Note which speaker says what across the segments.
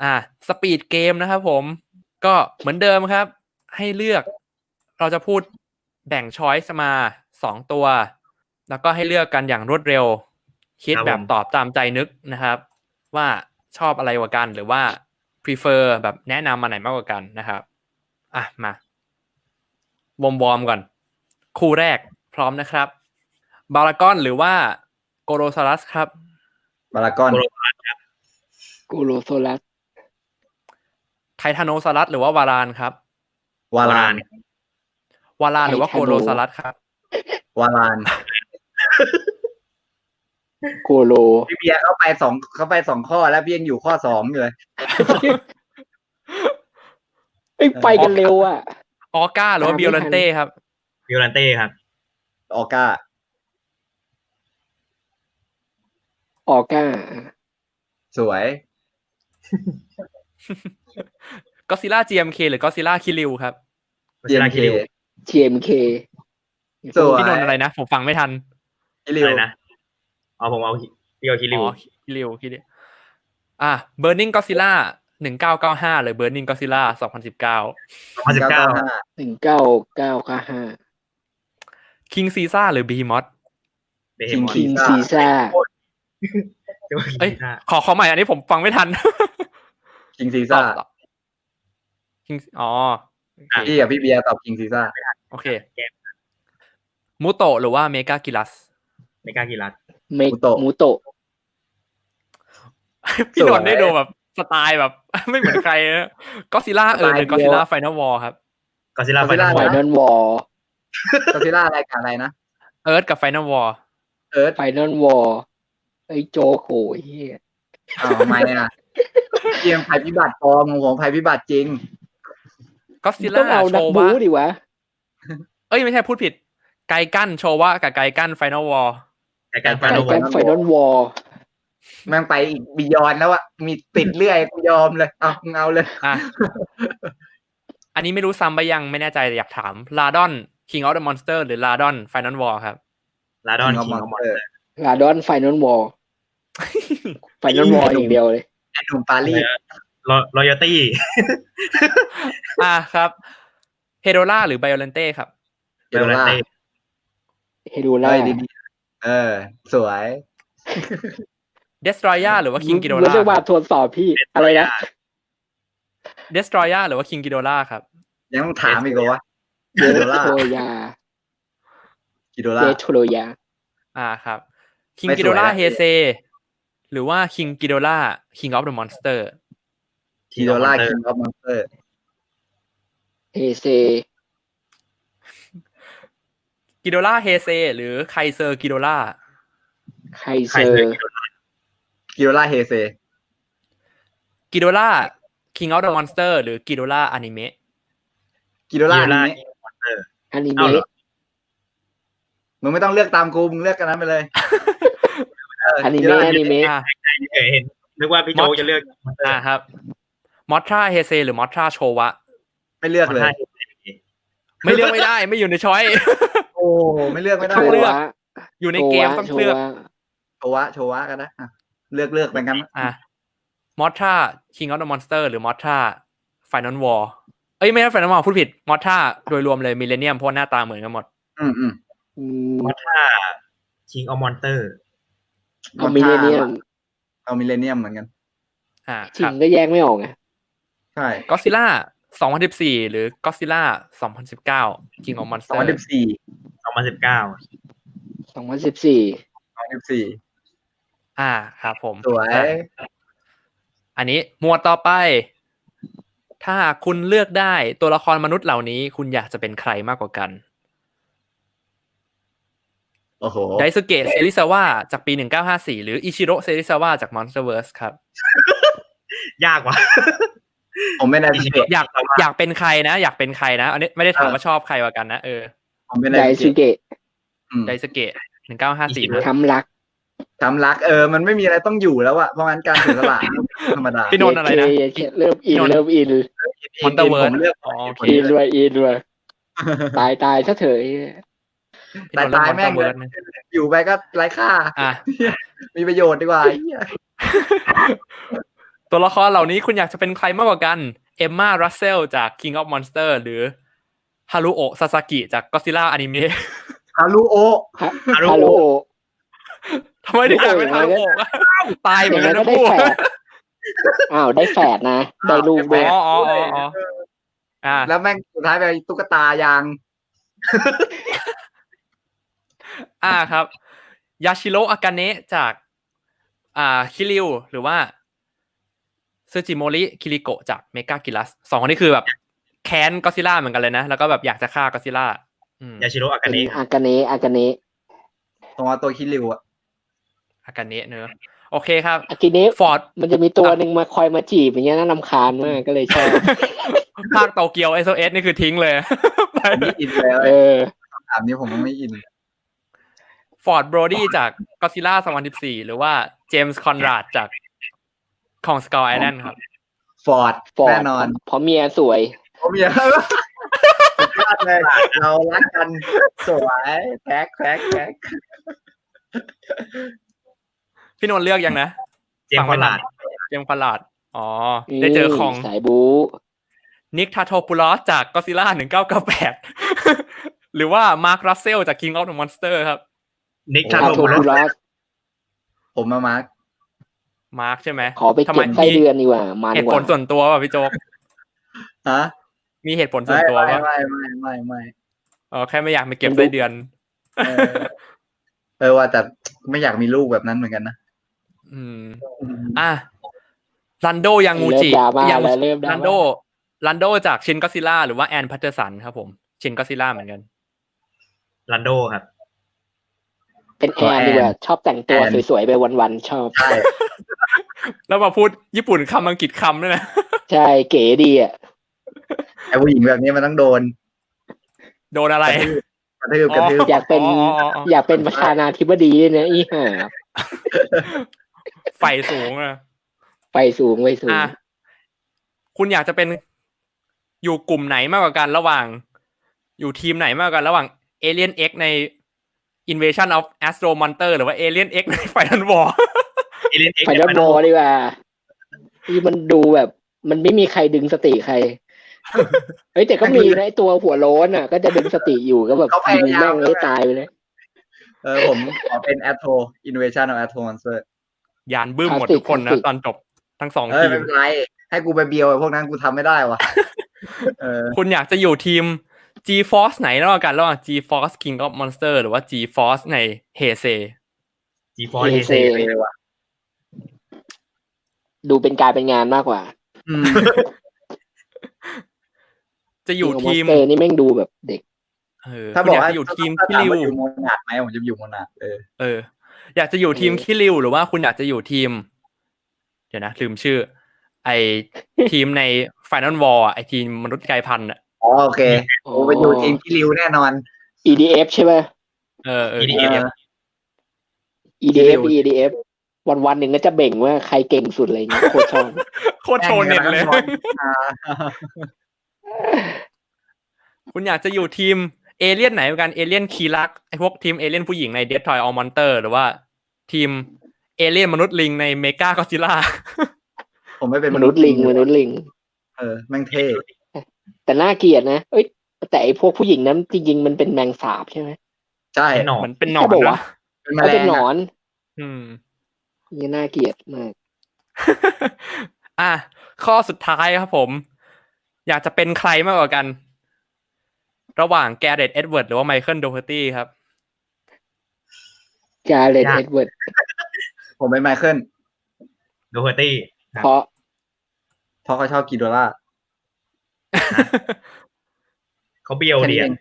Speaker 1: สปีดเกมนะครับผมก็เหมือนเดิมครับให้เลือกเราจะพูดแบ่งช้อยส์มา2ตัวแล้วก็ให้เลือกกันอย่างรวดเร็วคิดแบบตอบตามใจนึกนะครับว่าชอบอะไรกว่ากันหรือว่า prefer แบบแนะนำมาไหนมากกว่ากันนะครับมาวอร์มก่อนคู่แรกพร้อมนะครับบารากอนหรือว่าโกโรซารัสครับ
Speaker 2: บารากอน
Speaker 3: กูโรโซลัส
Speaker 1: ไททานโนซารัสหรือว่าวารานครับ
Speaker 2: วาราน
Speaker 1: หรือว่าโกโรซารัสครับ
Speaker 2: วาราน
Speaker 3: โกโล
Speaker 2: พี่เบียร์เข้าไปสองข้อแล้วพี่ยังอยู่ข้อ2อยู่เลย
Speaker 3: ไปกันเร็วอ่ะ
Speaker 1: ออก้าหรือว่าบิโอลันเต้ครับ
Speaker 4: บิโอลันเต้ครับ
Speaker 2: ออก้าสวย
Speaker 1: ก็ซิล่า GMK หรือก็ซิล่าคิริวครับ
Speaker 3: GMK
Speaker 2: สวย
Speaker 1: พี่นนท์อะไรนะผมฟังไม่ทัน
Speaker 2: คิริว
Speaker 4: นะผมเอาพี่เอาคิริว
Speaker 1: คิริวBurning Godzilla 1995หรือ Burning Godzilla 2019 King Caesar หรือ Behemoth
Speaker 3: King Caesar
Speaker 1: ขอใหม่อันนี้ผมฟังไม่ทัน
Speaker 2: King Caesar พี่กับพี่เบียร์ตอบ King Caesar
Speaker 1: โอเคมูโตะหรือว่าเมกากิลัส
Speaker 3: มูโตะ
Speaker 1: พี่นนท์ได้ดูแบบสไตล์แบบไม่เหมือนใครนะก็ซิล่าหรือก็ซิล่าไฟนอลวอลครับ
Speaker 4: ก็ซิล่าไฟนอล
Speaker 3: วอล
Speaker 2: ก็ซิล่าอะไรนะ
Speaker 1: เอิร์ธกับไฟนอลวอล
Speaker 3: ไฟนอลวอลไอ้โจโหเฮีย
Speaker 2: ทำไมเกมภัยพิบัติปลอมของภัยพิบัติจริง
Speaker 1: ก็ซิล่าโชว์ว่า
Speaker 3: ดิวะ
Speaker 1: ไม่ใช่พูดผิดไกกั้นโชว์ว่ากับไกกั้นไฟนอลวอล
Speaker 3: ไฟนอลวอล
Speaker 2: แม่งไปอีกบียอนแล้วอะมีติดเรื่อยกูยอมเลยเอาเลย
Speaker 1: อันนี้ไม่รู้ซ้ำไปยังไม่แน่ใจอยากถามลาดอน King of the Monster หรือลาดอน Final War ครับ
Speaker 4: ลาดอน King of Monster
Speaker 3: ลาดอน Final War Final War อย่างเดียวเลย
Speaker 2: ไอ้หนุ่มปารีส
Speaker 4: Loyalty
Speaker 1: ครับเฮโดล่าหรือไบโอเลนเต้ครับ
Speaker 2: เฮโดล่าดีสวย
Speaker 1: เดสทรอยาหรือว่าคิงกิโดล่า
Speaker 3: เรียกว่าทดสอบพี่อะไรนะ
Speaker 1: เดสทรอยาหรือว่าคิงกิโดล่าครับ
Speaker 2: ยังต้องถามอีกว่า
Speaker 3: เดสโทรยา
Speaker 1: ครับคิงกิโดล่าเฮเซหรือว่าคิงกิโดล่า King of the Monster
Speaker 2: กิโดล่า King of Monster
Speaker 3: เฮเซ
Speaker 1: กิโดล่าเฮเซหรือไคเซอร์กิโดล่า
Speaker 2: กิโดล่าเฮเซ
Speaker 1: กิโดล่า King of the Monster หรือกิโดล่าอนิเมะ
Speaker 2: กิโดล่าอ
Speaker 3: นิเมะ
Speaker 2: มึงไม่ต้องเลือกตามกูมึงเลือกกันนั้นไปเลย
Speaker 3: อนิเมะ
Speaker 4: เห็นนึกว่าพี่โจจะเลือก
Speaker 1: ครับมอทราเฮเซหรือมอทราโชวะ
Speaker 2: ไม่เลือกเลย
Speaker 1: ไม่เลือกไม่ได้ไม่อยู่ในช้อย
Speaker 2: โอ้ไม่เลือกไม่ได้
Speaker 1: เลือกอยู่ในเกมต้องเลือก
Speaker 2: โชวะกันนะเลือกไปกัน
Speaker 1: มอทรา King of the Monster หรือมอทรา Final War ไม่ใช่ Final War พูดผิดมอทราโดยรวมเลยมิลเลนเนียมเพราะหน้าตาเหมือนกันหมด
Speaker 4: มอทรา King of Monster
Speaker 3: เอามิลเลนเนียม
Speaker 2: เหมือนกัน
Speaker 3: จริงก็แยกไม่ออกไง
Speaker 2: ใช่
Speaker 1: ก็ซิล่า2014หรือก็ซิล่า2019 King of Monster
Speaker 3: 2014
Speaker 1: ครับผม
Speaker 2: สวย
Speaker 1: อันนี้หมวดต่อไปถ้าคุณเลือกได้ตัวละครมนุษย์เหล่านี้คุณอยากจะเป็นใครมากกว่ากันไดซุเกะเซริซาวะจากปี1954หรืออิชิโร่เซริซาวะจาก Monsterverse ครับ
Speaker 4: ยากว่ะ
Speaker 2: ผมไม่ได้
Speaker 1: อยากเป็นใครนะอยากเป็นใครนะอันนี้ไม่ได้ถามว่าชอบใครกว่ากันนะ
Speaker 2: ผมไม่ได้ได
Speaker 3: ซุเกะ
Speaker 1: 1954นะ
Speaker 3: ช้ำรัก
Speaker 2: มันไม่มีอะไรต้องอยู่แล้วอะเพราะงั้นการเสียสละธรรมดา
Speaker 1: พี่นนท์อะไรนะ
Speaker 3: เริ่มอิน
Speaker 1: Monsterverse
Speaker 2: ผมเลือก
Speaker 3: อินด้วยตายถ้าเถอะ
Speaker 2: ตายแม่งอยู่ไปก็ไร้ค่ามีประโยชน์ดีกว่า
Speaker 1: ตัวละครเหล่านี้คุณอยากจะเป็นใครมากกว่ากันเอมมารัสเซลจาก King of Monster หรือฮารุโอะซาซากิจาก Godzilla อนิเมะ
Speaker 2: ฮารุโอะ
Speaker 3: ฮารุโอะ
Speaker 1: ทำไมถึงอยากเป็นฮารุโอะตายเหมือนกัน
Speaker 3: ก็
Speaker 1: นะ
Speaker 3: ได้
Speaker 1: พูด
Speaker 3: แฝดอ้าวได้แฝดนะ ได้ลูกด้วย
Speaker 1: อ๋ออ่า
Speaker 2: แล้วแม่งสุดท้ายไปตุ๊กตายาง
Speaker 1: ครับยาชิโร่อากาเนะจากคิริวหรือว่าซึจิโมริคิริโกะจากเมกากิลัสสองคนนี้คือแบบแค้นก็ซิล่าเหมือนกันเลยนะแล้วก็แบบอยากจะฆ่าก็ซิล่าย
Speaker 4: าชิโร่อากา
Speaker 3: เป็น
Speaker 4: เนะ
Speaker 3: อากาเนะอากาเนะ
Speaker 2: ตัวคิริวอะ
Speaker 1: อากาเนะเนอะโอเคครับ
Speaker 3: อากิเนะ
Speaker 1: ฟอร์ด
Speaker 3: มันจะมีตัวหนึ่งมาคอยมาจีบอย่างเงี้ยน่ารำคาญมากก็เลยชอบ
Speaker 1: ภาคโตเกียว SOS นี่คือทิ้งเลย
Speaker 2: ไม่อินเลย
Speaker 3: เออ
Speaker 2: ถามนี้ผมไม่อิน
Speaker 1: ฟอร์ดโบรดี้จากก็ซิล่า2014หรือว่าเจมส์คอนราดจากของสกอร์ไอแลนด์ครับ
Speaker 2: ฟอร์ด
Speaker 3: ฟอร์
Speaker 2: แน่
Speaker 3: ด
Speaker 2: นอน
Speaker 3: เพราะเมียสวย
Speaker 2: ผมอยากสุดยอดเลยเรารักกันสวยแท็ก
Speaker 1: พี่นนท์เลือกยังนะ
Speaker 4: เจมส์คอนราด
Speaker 1: เจมส์คอนราดอ๋อได้เจอของ
Speaker 3: สายบู๊
Speaker 1: นิกทาโทปูลอสจากก็ซิล่า1998 หรือว่ามาร์ครัสเซลจาก King of the Monster ครับ
Speaker 4: นิก
Speaker 3: คา
Speaker 4: ชาโต
Speaker 3: โท
Speaker 4: บุ
Speaker 3: คุ
Speaker 4: ระ
Speaker 3: รัส
Speaker 2: ผมมามาร์ค
Speaker 1: มาร์คใช่ไหม
Speaker 3: ขอไป
Speaker 1: ทำไม
Speaker 3: เก็บไส้เดือนดีกว่ามัน
Speaker 1: เหตุ
Speaker 3: ก
Speaker 1: ผ
Speaker 3: ว่า
Speaker 1: ลส่วนตัวป่ะพี่โจ๊ก
Speaker 2: ฮะ
Speaker 1: มีเหตุผลส่วนตัวป่ะ
Speaker 2: ไม่
Speaker 1: อ๋อแค่ไม่อยากไปเก็บไส้เดือน
Speaker 2: ว่าแต่ไม่อยากมีลูกแบบนั้นเหมือนกันนะ
Speaker 1: รันโดยังงู
Speaker 3: เริ่
Speaker 1: จิ
Speaker 3: มดราม่าแล้วเริ่มดรา
Speaker 1: รันโด
Speaker 3: ม่า
Speaker 1: รันโดจากชินก็ซิล่าหรือว่าแอนพัตเตอร์สันครับผมชินก็ซิล่าเหมือนกัน
Speaker 4: ลันโดครับ
Speaker 3: เป็นแอนดีกว่าชอบแต่งตัวสวยๆไปวันๆชอบ
Speaker 2: ใช่
Speaker 1: แล้วมาพูดญี่ปุ่นคำอังกฤษคำด้วยนะ
Speaker 3: ใช่เก๋ดีอ่ะ
Speaker 2: ไอ้ผู้หญิงแบบนี้มันต้องโดน
Speaker 1: โดนอะไร
Speaker 2: กระทืบ
Speaker 3: อยากเป็นอยากเป็นประธานาธิบดีด้วยนะอีห่า
Speaker 1: ไฟสูงอะ
Speaker 3: ไปสูงไปสูง
Speaker 1: คุณอยากจะเป็นอยู่กลุ่มไหนมากกว่ากันระหว่าง อยู่ทีมไหนมากกว่ากันระหว่าง Alien X ใน Invasion of Astro Monster หรือว่า Alien X ใน Final War
Speaker 3: ไฟนอลบอลดีกว่าที่มันดูแบบ มันไม่มีใครดึงสติใคร เฮ้ยแต่ก็มีนะไอ้ตัวหัวโล้นอ่ะ ก็จะดึงสติอยู่ก็แบบยิงแม่งให้ตายไปเลย
Speaker 2: ผมขอเป็น Astro Invasion of Astro Monster
Speaker 1: ยานบึ้มหมดทุกคนนะตอนจบทั้งสองที
Speaker 2: ไม่
Speaker 1: ม
Speaker 2: เป็นไรให้กูไปเบียวไอ้พวกนั้นกูทำไม่ได้วะ
Speaker 1: คุณอยากจะอยู่ทีม G-Force ไหนระหว่างกันระหว่าง G-Force King of Monster หรือว่า G-Force ใน Heisei
Speaker 4: G4 เฮเซ
Speaker 2: เลยว่ะ
Speaker 3: ดูเป็นการเป็นงานมากกว่า
Speaker 1: จะอยู่ทีม
Speaker 3: Monster นี่แม่งดูแบบเด็ก
Speaker 2: ถ้าบอกว่า
Speaker 1: คุณยจะอยู่ทีม
Speaker 2: ถ้า
Speaker 1: คิ
Speaker 2: ถาม
Speaker 1: ริว
Speaker 2: ว่าอยู่โมนาร์คไหมผมจะอยู่โมนาร์ค
Speaker 1: อยากจะอยู่ทีมคิริวหรือว่าคุณอยากจะอยู่ทีม เดี๋ยวนะลืมชื่อ ไอทีมใน Final War ไอทีมมนุษย์กลายพันธุ์อ่ะ
Speaker 2: โอเคผมไปอยู่ทีมคิริวแน่นอน
Speaker 3: EDF ใช่ไหม EDF วันๆหนึ่งก็จะเบ่งว่าใครเก่งสุดอะไรเงี้ยโคตรชอบ
Speaker 1: โคตรโชว์เน็ตเลย คุณอยากจะอยู่ทีมเอเลี่ยนไหนกันเอเลี่ยนคีรักไอพวกทีมเอเลี่ยนผู้หญิงใน Death Toy All Monster หรือว่าทีมเอเลี่ยนมนุษย์ลิงในเมกาก็ซิล่า
Speaker 2: ผมไม่เป็น
Speaker 3: มนุษย์ลิง
Speaker 2: แม่งเท่
Speaker 3: แต่น่าเกลียดนะเอ้ยแต่ไอพวกผู้หญิงนั้นจริงๆมันเป็นแมงสาบใช่ไหม
Speaker 2: ใช่
Speaker 4: หนอ
Speaker 1: มัน นเป็นหนอน
Speaker 3: ใช่ปะวะ
Speaker 1: นะ
Speaker 2: เป็นแมล
Speaker 3: เป็น
Speaker 2: ง
Speaker 3: หนอน
Speaker 1: ม
Speaker 3: นี่น่าเกลียดมาก
Speaker 1: ข้อสุดท้ายครับผม อยากจะเป็นใครมากกว่ากัน ระหว่างแกเรตเอ็ดเวิร์ดหรือว่าไมเคิลโดเฮอร์ตี้ครับ
Speaker 3: กาเลตเอ็ดเวิร์ด
Speaker 2: ผมเป็นไมเคิล
Speaker 4: โดเฮอร์ตี้
Speaker 3: เพราะ
Speaker 2: เขาชอบกิโดล่า
Speaker 4: เขาเบียวเดียน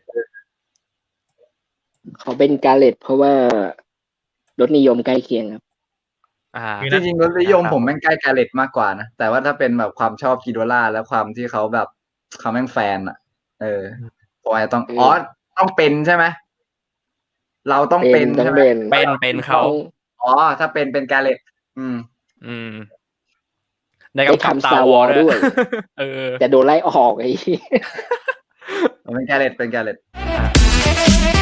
Speaker 3: เขาเป็นกาเลตเพราะว่ารสนิยมใกล้เคียงครับ
Speaker 2: จริงๆรสนิยมผมแม่งใกล้กาเลตมากกว่านะแต่ว่าถ้าเป็นแบบความชอบกิโดล่าแล้วความที่เขาแบบเขาแม่งแฟนอ่ะผมอาจจะต้องเป็นใช่ไหมเราต้องเป็นใช่ไหม
Speaker 1: เป็นเขา
Speaker 2: ถ้าเป็นกาเลต
Speaker 1: ในกำกับStar Warsด้วย
Speaker 3: จะโดนไล่ออกไอ้
Speaker 2: เป็นกาเลต